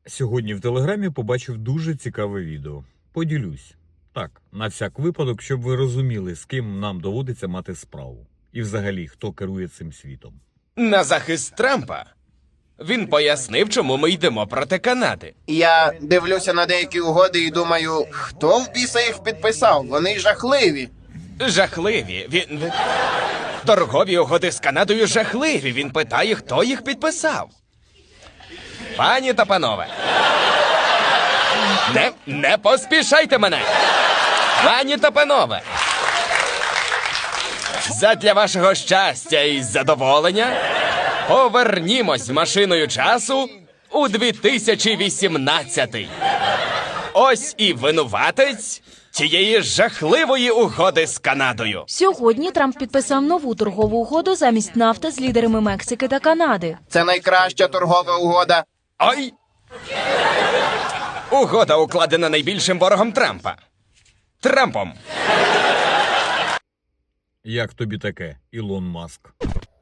Сьогодні в Телеграмі побачив дуже цікаве відео. Поділюсь. Так, на всяк випадок, щоб ви розуміли, з ким нам доводиться мати справу. І взагалі, хто керує цим світом. На захист Трампа. Він пояснив, чому ми йдемо проти Канади. Я дивлюся на деякі угоди і думаю, хто в біса їх підписав? Вони жахливі. Жахливі. Торгові угоди з Канадою жахливі. Він питає, хто їх підписав. Пані та панове. Не поспішайте мене. Пані та панове. Задля вашого щастя і задоволення повернімось машиною часу у 2018. Ось і винуватець цієї жахливої угоди з Канадою. Сьогодні Трамп підписав нову торгову угоду замість нафти з лідерами Мексики та Канади. Це найкраща торгова угода. Ой! Угода укладена найбільшим ворогом Трампа. Трампом. Як тобі таке, Ілон Маск?